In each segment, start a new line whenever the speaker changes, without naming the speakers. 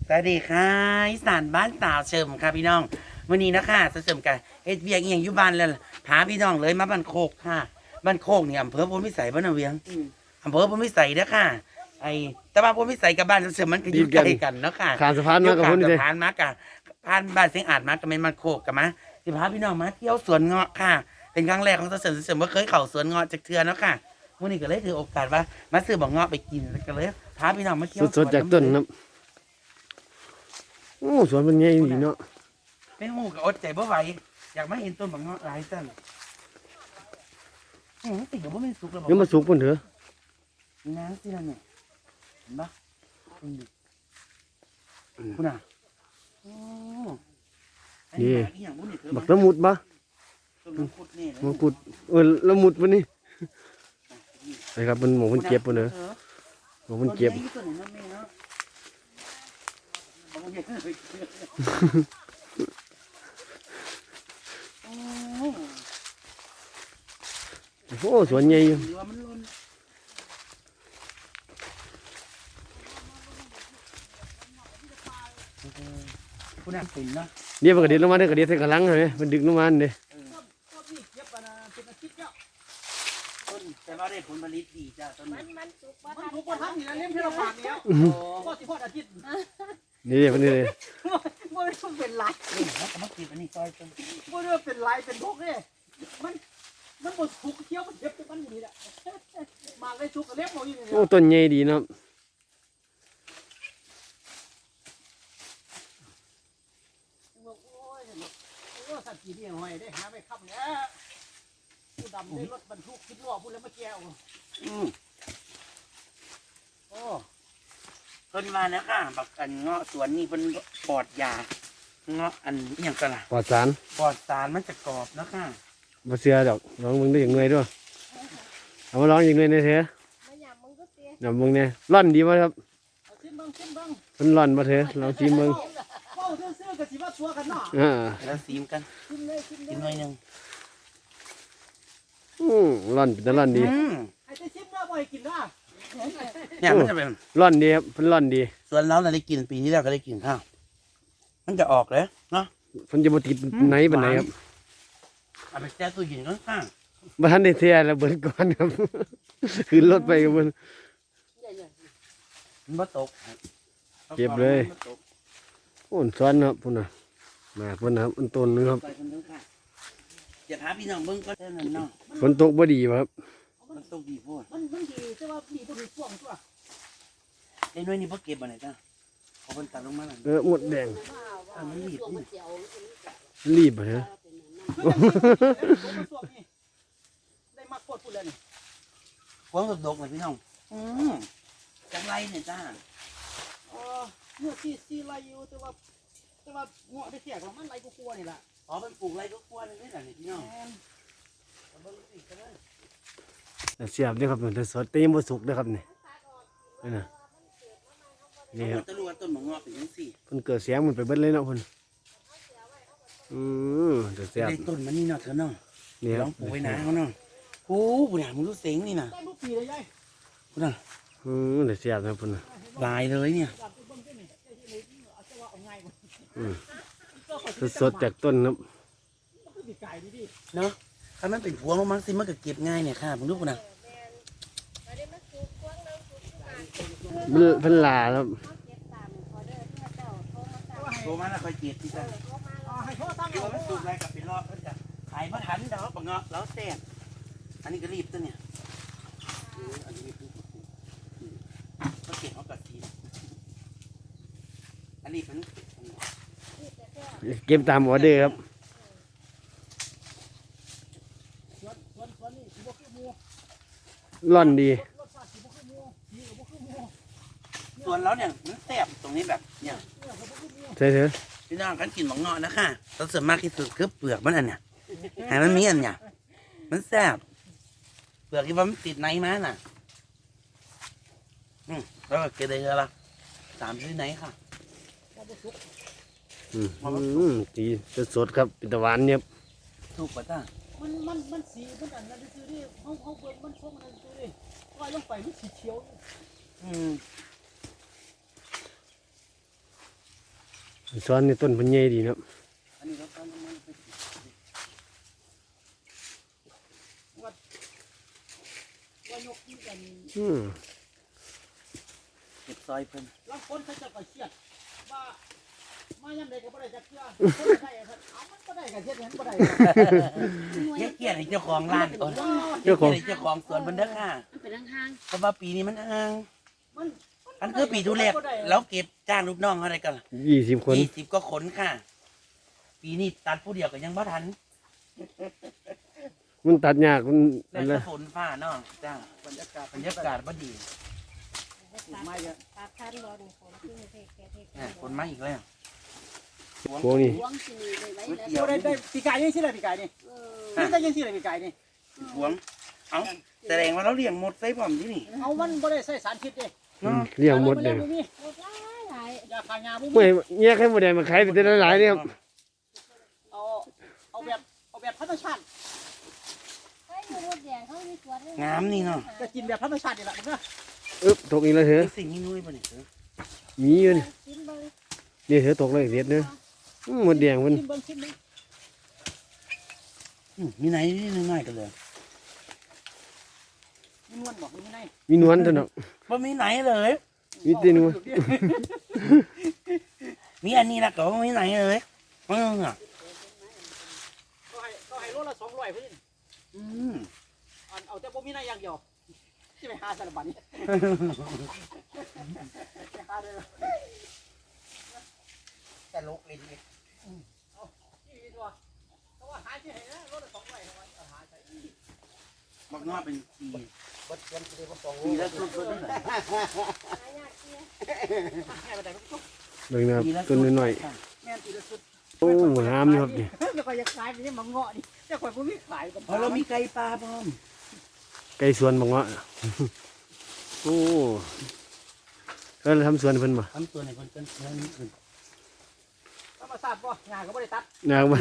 สวัสดีค่ะอีสานบ้านสาวเฉิมค่ะพี่น้องวันนี้นะคะเฉิมกันเฮ็ดเวียกเอียงอยู่บ้านแล้วพาพี่น้องเลยมาบ้านโคกค่ะบ้านโคกนี่อำเภอพลพิสัยบ้านนาเวียงอำเภอพลพิสัยเด้อค่ะไอ้แต่ว่าพลพิสัยกับบ้านเฉิมมันก็อยู่ใกล้กันเนาะค่ะ
ข้ามสะพานมากับ
ข้
พุ่นนี่
สะ
เลย
พานมากับผ่านบ้านเสียงอาจมากับแม่นบ้านโคกกับมาสิพาพี่น้องมาเที่ยวสวนเงาะค่ะ เป็นครั้งแรกของเฉิมบ่เคยเข้าสวนเงาะจักเทื่อเนาะค่ะวันนี้ก็เลยถือโอกาสว่ามาซื้อบักเงาะไปกินแล้วก็เลยพาพี่น้องมาเที่ยว
สดๆจากต้นนะโอ้สวนเป็นไงดีเนาะ
ไม่หูก็อดใจบ่ไหวอยากมาเห็นต้นบักเงาะหลายสั่นติดกับว่าไม่สุกแล้วบอก
ยังมาสุกปุ่นเถอะ
นี่นะสินั่นเนี่ยเห็นปะคุณอ่ะโอ้อันนี้อีหยังบุญนี่เธอ
บักละมุดปะ
ต้นมังคุดนี่เลย
มังคุดละมุดปุ่นนี่ไปครับมันหมูมันเก็บปุ่นเถอะหมูมันเก็บ
ต้นใหญ่ต้นไหนนั่นแม่เนาะเอาใหญ่เลยโอ้
โอ้สวนใหญ่อยู่
หรือว่ามันล้นคุณอ่ะเป็นเนาะ
เดี๋ยวมันกระเด็นลงมาได้กระเด็นใส่กระลังเลยมันดึกลงมาเด้
ต้นแต่ว่าได้ผลผลิตดีจ้าต้นนี้
มันสุก
มันถูกกว่าทันนี่นะเล่มที่เราผ่านแล้ว
โอ้
ก็สิพอดอาทิตย์
นี่เดี๋ยวมันนี่เลย
บ่ได้เป็นลาย
นี่แล้วก็มากินอันนี้ซอยต้น
บ่ได้เป็นลายเป็นพวกเนี่ยมันบ่ถูกเที่ยวมันเจ็บแต่มันอยู่นี่แหละมาเลยถูกกับเล็บบ่อยู่นี่
โอ้ต้นใหญ่ดีเนาะ
โอ้สัตว์กี่นี่หอยได้หาไปค้ำแล้วผู้ดำได้รถบรรทุก10ล้อพูดแล้วมาแก้ว
โอ้ต้นมาแล้วค่ะบักอันเงาะสวนนี่เป็นปลอดยาเงาะอันอหย่างกันล่ะ
ปลอดสาร
ปลอดสารมันจะกรอบนะค่ะ
มาเสือดอกลองมึงได้อย่างเงยด้วยเอามาลองอย่างเงยในเถอะ
มาหยาบมึงก็เตี้ย
เดี๋ยวมึงเนี่ยร่อนดีป่ะครับ
ชิมเบิ่ง
มันร่อนมาเถอะลองชิมมึง
เว้าซื่อๆก็สิว่าตัวกันเนาะ
แล้วซีมกัน
ชิมเลย
กินหน่อยหนึง
ร่อนเป็นตะร่อนดี
ไอ้ที่ชิมแล้วบ่ให้กินนะ
เนี่ยมันจะเป็น
ร่อนดีครับเพิ่นร่อนดี
สวนเราได้กินปีนี้เราก็ได้กินข้าวมันจะออกเลยเนาะ
เพิ่นจะบ่ติดไหนปานไหนครับ
เอาไปแช่ตู้เย็นข้าง
บ่ทันได้เสียแล้วเบิดก่อนครับ ขึ้นรถไปกับเพิ่น
ๆมันบ่ตก
เก็บเลย
มันบ่ตก
โอ้นซ้อนครับพุ่นน่ะมาเพิ่นนะครับอันต้นนึงครับ
ไปคนเดียวค่ะอย่าพาพี่น้องเบิ่งก็ได้นั่นเนาะ
ฝนตกบ่ดีบ่ครับ
มันตกดีโพด
มันดีแต่ว่าดีบ่ถูกช่วงตัว
ไอ้น้อยนี่บ่เก็บบ่ไหนจ้าเอาเพิ่นตัดลงมาแล้ว
หมดแดง
มันรีบนี่
รีบบ่เถอะ
ได้มาโคตรพูดเลยนี่
ฝนตกๆเลยพี่น้องจังไรเนี่ยจ้า
เมื่อที่ไรอยู่แต่ว่าเงาะได้แขกแล้วมันไรกูกลัวนี่แหละ
อ๋อเป็นปลูกไรก็กลัวเลยนี่แหละนี่พี่น้องเอาเบิ่งสิก็ได้
เสียบเด้อครับมันสดแต่ยังบ่สุกเด้อครับนี่นี่น่ะนี่ครับ
ตะลุต้นมะงอกเป็นจังซี่
เพิ่นเกิดเสียงมันไปเบิดเลยเนาะเพิ่นเดี๋ยวเสียบ
ได้ต้นมันนี่เนาะเธอเนาะ
นี่ค
ล
รั
อบ งปลูกไว้นะเขาเนาะโอ้บุญหามึงรู้เสียงนี่นะ
ได้ลูกปีเลยยาย
บุญหา
เดี๋ยวเสียบนะเพิ่นน่ะ
ลายเลยเนี่ย
ดับไปเบิ่งได้นี่เอาจะว่าเอาไงบ่
สดๆจากต้นครับ
มันดีไก่ดี
เนาะถ้ามันเป็นพวงมันสิมันก็เก็บง่ายเนี่ยค่ะผมรู้ปุ่นนะ
มาได้มาสุกกว้างแล้วสุกทุกการ
เพิ่นลาครับ
เขาเก็บตามขอเด้อเพื่อเจ้าโทรมาสั่ง
โตมาแล้วค่อยเก็บที่จ้ะ
โทรมา
ให้เขาตั้ง
ที่
เอา
ว่ามันสูบอะไรกับเป็นรอบก็จะขายมาทันดอกบะเงาะแล้วแตกอันนี้ก็รีบตัวเนี่ยอันนี้ก็เก็บเอากัดทีอันนี้เป็น
เก็บตามออเดอร์ครับ
สวนนี่สิบ่คือหมู
ร่อนดี
รสชาติสิบ่คือหมูดีก็บ่คือหมู
ส่วนแล้วเนี่ยมันแสบตรงนี้แบบเนี่ย
ก็บ่คือหมู
ใช่เถอะ
พี่น้องกันกินบะเงาะนะคะเราส่วนมากที่สุดคือเปลือกมันอันเนี่ยให้มันมีอันเนี่ยมันแสบเปลือกที่ว่ามันติดในมาน่ะแล้วก็เกลือละ3 ชนิดไหนค่ะ
ดีสดๆครับเป็นตะวันเนี่ย
ถูกป่ะจ้า
มันสีมันอันนั้นซื่อนี่เฮาเบิ่งมันชมมันซื่อนี่ปล่อยลงไปมันสีเขียว
อืม
ซ้อนในต้นพันใหญ่ดีเนาะ
อันนี้เราทำมันไป
ว่ายกนี่กัน
เก็บซอยเพิ่น
บางคนเขาจะก็เครียดว่ามายังไดก็บ่ได้จักเทื่อคนได้เอามันบ่ได้ก็เฮ็ดให้มันบ่ได้
เกลียดให้เจ้าของร้านก่อน
เจ้าของ
เจ้าของสวนเพิ่นเด้อค่ะ
มันเป็นห้าง
เพราะว่าปีนี้มันห่าง
มัน
อันคือปีทุเรศแล้วเก็บจ้างลูกน้องเขาได้กัน
20 คน
20ก็ขนค่ะ ปีนี้ตัดผู้เดียวก็ยังบ่ทัน
มันตัดยากมัน
แล้ว
อะไร
จะฝนฟ้าเนาะจ้าบรรยากาศบ่ดี
ไม่เยอะ
ปลาคันบอลคนที่เทแกเท
อ่ะฝนมาอีกแล้ว
พวกนี้
หวงสิมีเลยไว้แล้ว
เดี๋ยว
ได้ปีกายนี่สิล่ะปีกายนี่ นี่ได้ยังสิล่ะปีกายนี่
หวงเอาแสดงว่าเราเลี้ยงหมดใส่พร้อมที่นี่
เอามันบ่ได้ใส่สารพิษเด้
เนาะ
เลี้ยงหมดเลย
บ่มี
หมดหลาย
ยาฆ่ายาบ่
เมื่
มี
อแยกให้หมดแดงมาขายไปแต่ละหลายเนี่ยครับ
เอาแบบธรรมชาติ
เฮ้ยอยู่รถแดงเขามีสวน
งามนี่เนาะ
ก็กินแบบธรรมชาตินี่แหละมันก็
ตกอีกแล้วเถอะ
ไอ้สิ่งนี้นุ้ยป่ะเนี่ย
มีอยู่นี่
กินเบิ่ง
นี่เถอะตกเลยเด็ดเนอะหมดแดงมัน
ชิมเบิ่งชิมเบิ่ง
มีไหนนี่น้อยๆกันเลย
มีนวลบอกมีใน
มีนวลเถอะเนาะ
บ่มีไหนเลย
มีแต่นวล
มีอันนี้ละก็บ่มีไหนเลยอ่ะ
ก็ให้โลละ200เพิ่น
อืม
เอาแต่บ่มีในอย่างเดียวสิไปหาสารบัญนี่ไปหาเลย
ตลกเลยที
นี่ตัวเพราะว่าหาที่ไหนนะโลละ200เอาหาใส่
บักนอเป็นปี
บ่เตรียมสิได้บ่ต้อง
ปีละสุดๆนี่แหละ
หายากเสีย
ให้ไปได้บ่ต้อง
เบิ่งนะครับ
ปีละ
ต้นน้อย
แม่นตีละสุด
ๆโอ้งามนี่ครับนี่
แล้วก็อยากขายไปนี่มาเงาะนี่แต่ข่อยบ่มีขายกัน
เพราะเรามีไก่ปลาพร้อม
ไก่สวนบังเงาะโอ้ก็ทำสวนเพิ่นมา
ทำตัวในคนเป็นเพื่อนนี่คือ
ธรรมชาติบ่หญ้าก็บ่ได้ตัด
นาบ้าน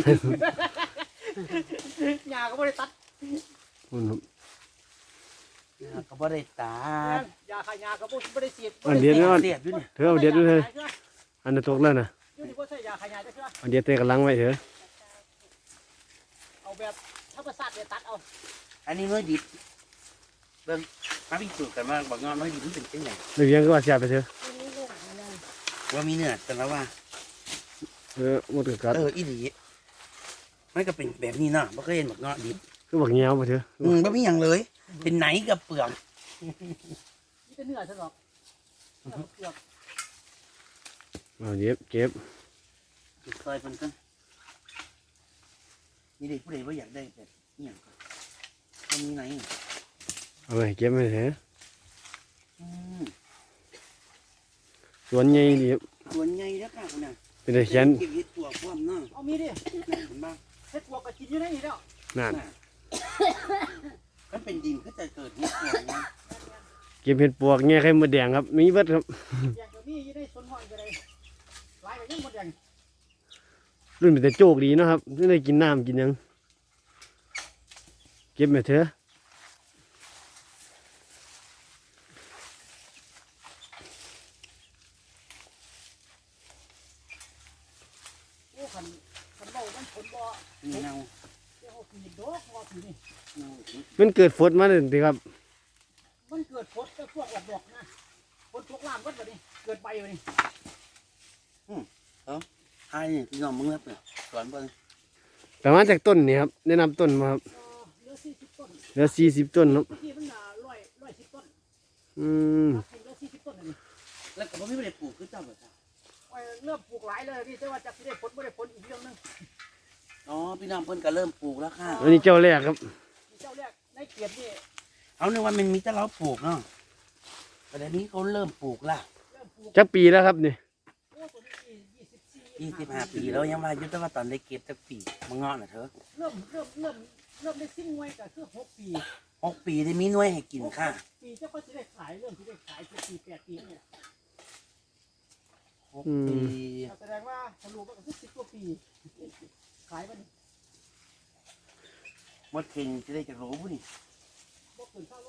หญ้าก็บ่ได้ตัด
พุ่นครับ
ก็บ่ได้ตา
หญ้าขายหญ้าก็บ่ได้ฉีด
อันเดียวนี่
เสียดอยู่เนี่ย
เธอเอาเด็ดด้วยเถอะอันนั้นตกแล้วนะ
อยู่นี่บ่ใช่หญ้าขายหญ้าจักเทื่อ
อันเดียวเตะกำลังไว้เถอะ
เอาแบบธรรมชาติเนี่ยตัดเอา
อันนี้น้อยดิบเบิ่งมาพิสูจน์กันว่าบักงอน้อยดิบมันเป็นจังไง
เดี๋ยวยังก็ว่าเสียไปเถอะ
อันนี้ลูกอะไร
ว่ามีเนื้อแต่ละว่า
หมดกกัด
อีหลีมันก็เป็นแบบนี้เนาะบ่เคยเห็นบักงอดิบ
คือบักเงี้ยวไปเถอะ
บ่มีหยังเลย เป็นไหนกับเปลือก
มีแต่เนื้อซะหรอกเนื้อเปลือก
เอาเก็บ
ซอยเพิ่นกันมีเด็กผู้ใดบ่อยากได้แบบนี้หยังก็มันมีไหน
เอาไปเก็บไปเถอะ
อืม
สวนใหญ่ดีครับ
ส่วนใหญ่แล้วค่ะคุณน่ะ
เป็นแต่เขียน
เก็บเห็ดตัวพร้อมเนาะ
เอามีดิ
เห็นบ้าง
เฮ็ดพวกก็กินอยู่ในนี่แล้ว
นั่น
มันเป็นดินก็จะเกิดเห็ดตัวไง
เก็บเห็ดปวกเงี้ยไข่มดแดงครับมีเบิดครับ
อย่างก็มีอยู่ในสวนห้อยก็ได้หลายก็ยังหมดอย่าง
รุ่นเป็นแต่โจกดีเนาะครับไม่ได้กินน้ำกินหยังเก็บไปเถอะ
โอ้คันเว้ามันผลบ่
นี่เนา
เดี๋ยวเอาปีดอกว่าปีนี่
มันเกิดฝนมาเลยสิครับ
มันเกิดผลแต่พวกออกดอกนะผลพวกล่ามก็แบบนี้เกิดใบแบบนี้
ไอ้นี่พี่น้องมึงรับเนี่ยสอนเบิ่ง
แต่มาจากต้นนี่ครับแนะนำต้นมาครับ
เหลือ40ต้น
เหลือ40 ต้นครับ
เมื่อกี้มัน110ต้น
อืม
เหลือ40ต้นอันนี้
แล้วก็บ่มีบ่ได้ปลูกคือเจ้าบ่จ้ะ
โอ้ยเริ่มปลูกหลายเลยพี่แต่ว่าจะสิได้ผลบ่ได้ผลอีกเรื่องหนึง
อ๋อพี่น้องเพิ่นก็เริ่มปลูกแล้วค่ะ
อันนี้เจ้าแรกครับ
มีเจ้าแรกในเกียรตินี่
เอานึกว่ามันมีแต่เราปลูกเนาะแต่เดี๋ยวนี้เขาเริ่มปลูกละ
เริ่มปลูก
จักปีแล้วครับนี่
โอ้ตัวนี้
25 ปีแล้วยังว่าอยู่แต่ว่าตอนได้เก็บจักปีมาเงาะน่ะเถอะ
เริ่มได้ซิ่งไว้ก็คือ6 ปี
6 ปีได้มีหน่วยให้กินค่ะ
ปีเจ้าก็จะได้ขายเริ่มที่ได้ขาย7 ปี8 ปีเนี่ย
6 ปี
แสดงว่าทะลุก็คือ10 กว่าปีขายมัน
หมดเข่งจะได้จักโหลผู้นี่
บ่เกิน5 โล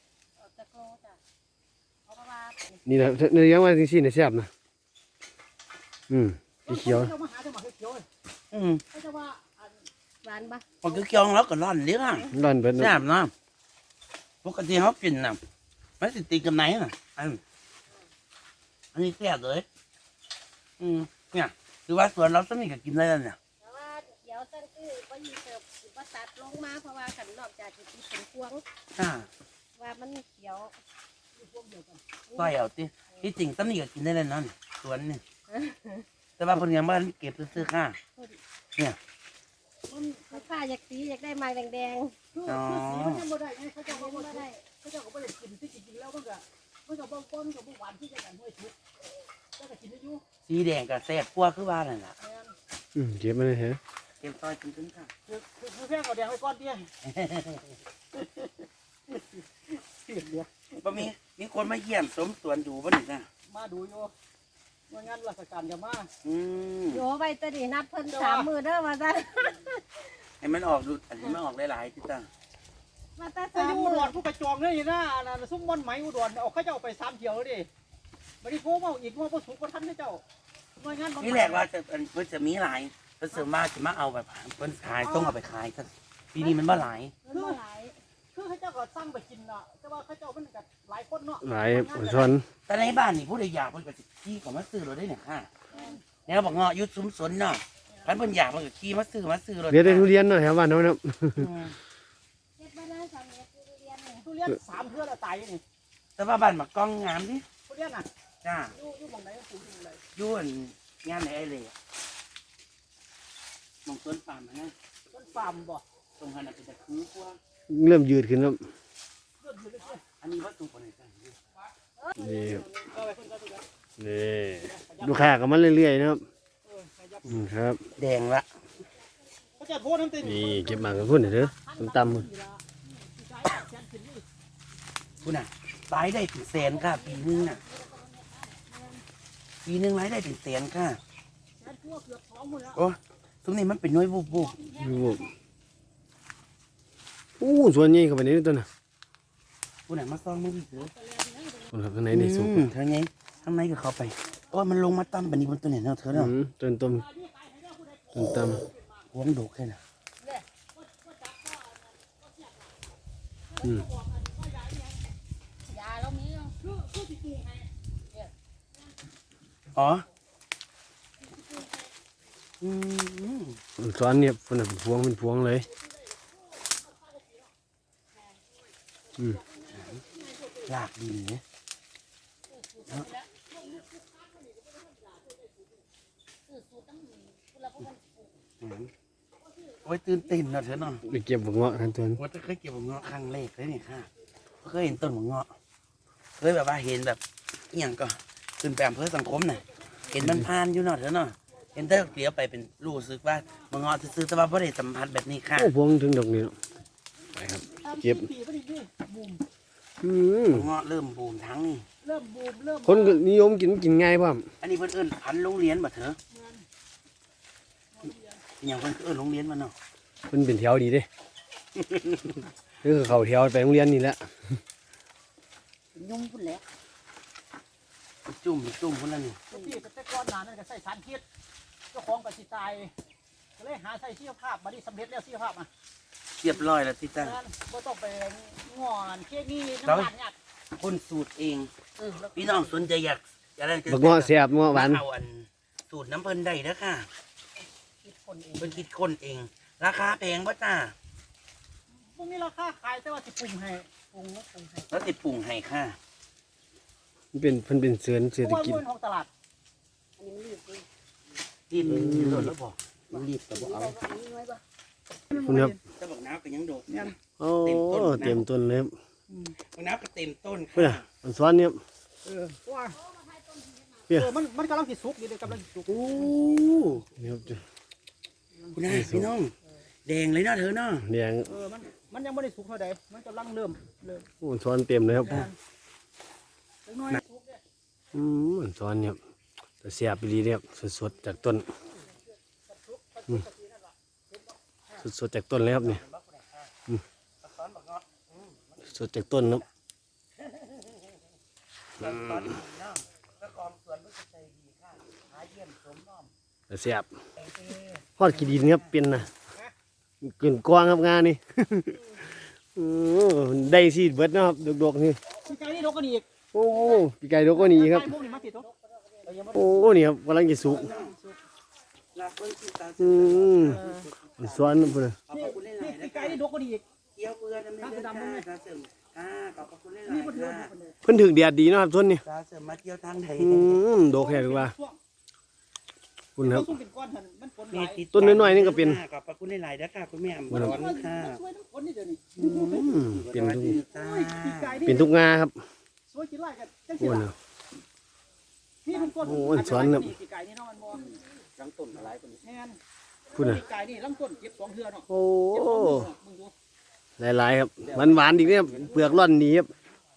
ตะโกจ้ะเอาประมาณ
นี่แหละเนื้อย่างว่าจริงๆเนี่ยแซ่บนะสีเขียว
เจ้ามาหาเจ้าหมาเขียว
อืม
เขาจะว่าอัน
หวานปะ
พอคือเคี้ยวแล้วก็ร่อนเลี้ยง
ร้อนเบิด
แซ่บเนาะปกติเขากินน่ะไม่สิตีกับไหนน่ะอันนี้แซ่บเลยเนี่ยคือว่าสวนเราสนิทกับกินได้แล้วเนี่ย
แต่ว่าเดี๋ยวตั้งคือว่ายีเสิร์ฟสิว่าตัดลงมาเพราะว่าขันนอกจากจะเป็นพวง
อ่า
ว่ามันเขียว
ต้อยเอาติที่จริงสนิทกับกินได้แล้วเนาะนี่สวนนี่แต่ว่าเพิ่นยังบ้านเก็บซื้อๆค่ะ
มันลูกค้าอยากสีอยากได้ไม้แดง
คือสีมันยังบ่ได้ไงเขา
ๆ
เจ้า
ยั
ก็
ง
บ่
ไม่
ได้
ได้
เขาเจ้าก็บ่ได้กินที่จริงๆแล้วมันก็บ่ป้อนกับบ่หวานที่จะกันห้วยทุกก็จะกินได้อยู่
สีแดงกับแซ่บกว่าคือว่านั่นล่ะ
แม่น
เก็บมาเลยเหรอ
เก็บต้อยกินๆค่ะ
คือแพงเอาแดงไว้ก่อนเตี้ยเสียเดียว
บ่มีคนมาเยี่ยมสมสวนดูบ่นี่จ้ะ
มาดูอยู่ว่างานราชการจะมา
โยไว้ตะดีนัดเพิ่น3 มื้อเด้อมาซะ
ให้มันออกดูอันนี้มันออกหลายๆติจ้ะ
มาแต่
แต่อยู่
3
อุ
มื้อ
ดรผู้กระจองเลยนะนั่นซุ่มม่อนไหมอุดรเอาเขาเจ้าไป3เที่ยวแล้วดิบ่ได้โทรมาอีกว่าบ่สุกบ่ทันเจ้าหน่วยงาน
นี่แหละว่าจะเพิ่นจะมีหลายเพิ่นเสริมมาจะมาเอาแบบเพิ่นขายต้องเอาไปขายกันปีนี้มันบ่หลาย
มันบ่หลาย
คือเขาเจ้าก็สั่งไปกินน่ะแต่ว่าเขาเจ้ามันก็หลายคนเนาะ
หลายช้อน
แต่ในบ้านนี่ผู้ใดอยากเพิ่นก็สิขี่เข้ามาซื้อรถได้เนี่ยค่ะแนวบอกเงาะยุดซุ้มสนเนาะคันเพิ่นอยากเพิ่นก็ขี่มาซื้อรถ
เดี๋ยวได้ทุเรียนเนาะแถวบ้านเนาะครับ
เฮ็ดบ้านนั้น3เม็ดทุเรียนนี่
ทุเรียน3เทื่อแล้วตายนี่
แต่ว่าบ้านมากล้องงามดิ
ทุเรียนน่ะ
จ้า
อยู่หม่องไหนก็ปลูกอยู่เลย
อยู่อันงานไหนไอ้เลยมองต้นปาล์มนะ
ต้นฟาร์มบ่
ตรงหันน่ะเป็นตะคือกว่า
เริ่มยืดขึ้นแล้ว
เริ่มอยู่เลย
อันนี้วัตถุคนไหนจ้ะ
นี่ครับ
ก็ไปเพิ่นก็ตัว
นี่ลูกค้าก็มาเรื่อยๆนะครับ
ขยับ
ครับ
แดงละ
เขาจะโทษน้ำเต็ม
นี่เก็บหมากกับพุ่นเด้อตำๆ
คุณน่ะรายได้ถึงแสนค่ะปีนึงน่ะปีนึงรายได้ถึงแสนค่ะโอ้ตรงนี้มันเป็นน้อยบุบ
ดูอู้ส่วนใหญ่เข้าไปในนี้ตัวน่ะ
คุณน่ะมาซ่องมือถือ
คนครับข้างในนี่สุก
ทางไงข้างในก็เข้าไปโอ้ยมันลงมาตั้มแบบนี้บนตัวเนี่ยเนาะเธอเนาะ
ต้นต้มตำ
หวงดกแค่น่ะ
ยาเรามีอยู่
อ๋ออืม
ซ้อนเนี่ยคนน่ะเป็นพวงเลย
ลากดินเนี่ยโอ้ยตื่นเต้นเนาะเธอเนาะ
ไปเก็บบักเงาะกันตัวนั้น
ว่าจะเคยเก็บบักเงาะครั้งแรกเลยนี่ค่ะเคยเห็นต้นบักเงาะเคยแบบว่าเห็นแบบอหย่างก็ขึ้นไปอำเภอสังคมน่ะเห็นมันผ่านอยู่เนาะเธอเนาะเห็นแต่เดี๋ยวไปเป็นรู้สึกว่าบักเงาะซื้อๆแต่ว่าไม่ได้สัมผัสแบบนี้ค่ะ
โอ้พวงถึงดอกนี้เนาะไปครับ เก็บ
ปีก็ดีนี่บูม
บักเงาะเริ่มบูมทั้งนี่
เริ่มบูมเริ่ม
คนก็นิยมกินง่ายป่ะ
อันนี้เพิ่นเอิ้นพันธุ์โรงเรียนบ่เถอะอหย่างเพิ่นเอิ้นโรงเรียนมาเนาะ
มันเป็นแถวดีเด้ คือเขาแถวไปโรงเรียนนี่แหละ
ยุ่งพุ่นแหละ
จุ่มพุ่นละนี่
ปีแต่ก่อนหน้านั้นก็ใส่สารพิษเจ้าของก็สิตายก็เลยหาใส่ชีวภาพบัดนี้สำเร็จแล้วชีวภาพอ่ะ
เรียบร้อยแล้วที่จ้า
บ่ต้องไปงอนเคมีน้ำตาลเนี่ย
คนสูตรเองพี่น้องสนใจอยากได้จะ
บักเงาะแซ่บเงาะหวาน
เอาอันสูตรน้ำเพิ่นได้เด้อค่ะ
คิดคนเอง
เพิ่นคิดคนเอง ราคาแพงบ่จ้า
พวกนี้ราคาขายแต่ว่าสิปรุงให้ปรุงแล้วปรุงให้
แล้วสิปรุงให้ค่ะ
มันเป็นเศรษ
เพ
ฐ
ราะว่า
กิจ
มื้อของตลาด
อันนี้มันรีบเลย
รีบโดดแล้วบอกรีบก็บ่เอา
อันนี้น้อยปะ
คุณครับ
จะบอกน้ำก็ยังโดดเนี่ย
โอ้เต็มต้นเลยครับ
บอกน้ำก็เต็มต้น
เพื่อ
ค่ะ
อันซ้อนเนี่ย
ว่า
เพื่อ
มันกำลังสิสุกอยู่เดี๋ยวกำลังสิสุก
โอ้
นี่ครับจ้ะ
คุณนายพี่น้องแดงเลยเนาะเธอเนาะ
แดง
มันยังไม่ได้สุกเท่าใดมันกำลังเริ่ม
โอ้ซ้อนเต็มเลยครับ
เล็กน้อยสุกเนี่ย
อันซ้อนเนี่ยแต่แซ่บดีเนี่ยสดๆจากต้นสดๆจากต้นเลยครับเนี่ยสดจากต้นครับ
ตอนนี้เนาะเจ้าของสวนเพิ่นก็ใจดีค่ะหาเยี่ยม
แต่แซ่บฮอดกี่ดินครับเป็นนะเกินกว้างครับงานนี่ ได้สิเบิดเนาะครับดกๆนี่
พี่ไก่นี่ดกกันอีก
โอ้ปีไก่ดกกว่านี้ครับ
ไก่พวกนี้มาติดดก
โอ้นี่ครับกำลังจะสุกอืมสวนพุ่นน่ะ
นี่พี่ไก่นี่ดกกันอีก
เกี่ยวเกลือน้ำเลือดค่ะตาเสริมขอบคุณหลาย
นี่
ๆ
มันเดือด
ค่ะ
คนเดียว
เพิ่นถึงแดดดีเนาะครับส่วนนี้
ตาเสริมมาเที่ยวทางไทย
ดกแค่ดีกว่าคุณครับ
ต้องเป็นก้อนหันมันฝนไหล
ต้นน้อยๆนี่ก็เป็น
ขอบคุณหลายๆนะค่ะคุณแม่
วันนั้น
ร้อนค่ะ
ช่วยน้ำฝนนี่เดี๋ยวนี้
เป็นทุก
จ้า
พี่ไก่นี่
เป็นทุกงาครับ
สวยกินไล่กันจัง
โอ้
สิ
น่ะ
ล่ะนี่มันก้อน
โอ้ยสวนครับ
พี่ไก่นี่เนาะมันบ่ลังต้นอะไรคนนี้แม่น
พุ่นน่ะ
พี่ไก่นี่ลังต้นเก็บ2เทื่อเนาะ
โอ้
เก็บ2เทื่อมึงดู
หลายๆครับหวานๆอีกเนี่ยเปลือกร่อนดีครับ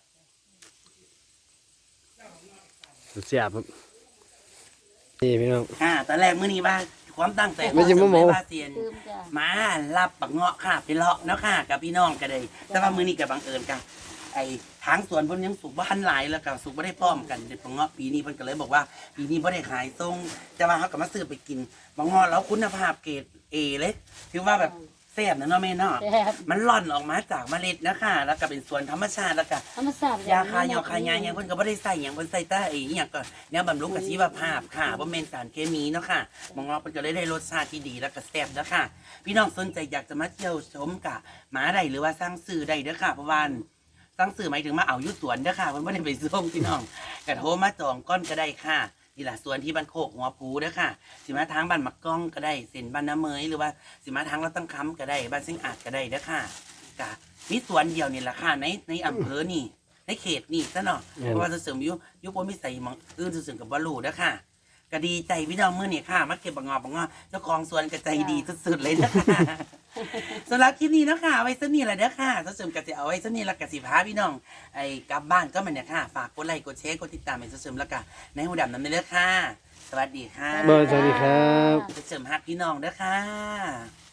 แซ่บครับนี่พี่น้อง
ตอนแรกมื้อนี้ว่าความตั้งใจ
ไม่ใช่มะม่วง
ว่าเซียน
ลืมจ้ะ
มารับปักเงาะค่ะไปเลาะเนาะค่ะกับพี่น้องก็ได้แต่ว่ามื้อนี้ก็บังเอิญกันไอ้ทางสวนเพิ่นยังสุกบ่ทันหลายแล้วก็สุกบ่ได้พร้อมกันเด็ดปักเงาะปีนี้เพิ่นก็เลยบอกว่าปีนี้บ่ได้ขายส่งแต่ว่าเฮาก็มาซื้อไปกินปักเงาะแล้วคุณภาพเกรด A เลยถือว่าแบบแซ่บนะเนาะแม่เนาะ
แซ่บ
มันร่อนออกมาจากเมล็ดนะคะแล้วก็เป็นสวนธรรมชาติแล้วก็
ธรรมชาติ
ยาคายาคายาอย่างเพิ่นก็บ่ได้ใส่หยังเพิ่นใส่แต่ไอ้อหยังก็แนวบำรุงกับชีวภาพค่ะบ่แม่นสารเคมีเนาะค่ะมองเราเพิ่นก็เลยได้รสชาติที่ดีแล้วก็แซ่บเด้อค่ะ พี่น้องสนใจอยากจะมาเที่ยวชมกะมาได้หรือว่าสร้างสื่อได้เด้อค่ะเพราะว่าสร้างสื่อหมายถึงมาเอาอยู่สวนเด้อค่ะเพิ่นบ่ได้ไปส่งพี่น้องก็โทรมาจองก้อนก็ได้ค่ะนี่ล่ะสวนที่บ้านโคกหัวผูเด้อค่ะสิมาทางบ้านมักก้องก็ได้เส้นบ้านน้ำเมยหรือว่าสิมาทางรัตตั้งคำก็ได้บ้านซิงอาจก็ได้เด้อค่ะกะมีสวนเดียวนี่แหละค่ะในอำเภอนี่ ในเขตนี่ซะเนาะเพราะว่าจะเสริมยุบนไม่ใส่หมองอื่นจะเสริมกับบอลลูนะค่ะก็ดีใจพี่น้องเมื่อนี่ค่ะมาเก็บบังงอบเจ้าของสวนก็ใจดีสุดๆเลยนะคะสำหรับคลิปนี้เนาะค่ะเอาไว้ซะนี่แหละเด้อค่ะจะเสริมกสิเอาไว้ซะนี่ละกสิพาพี่น้องไอ้กลับบ้านก็มันเนี่ยค่ะฝากกดไลค์กดแชร์กดติดตามให้จะเสริมแล้วก็ในหูดำน้ำในเด้อค่ะ สวัสดีค่ะ
สวัสดีครับ
จะเสริมฮักพี่น้องเด้อค่ะ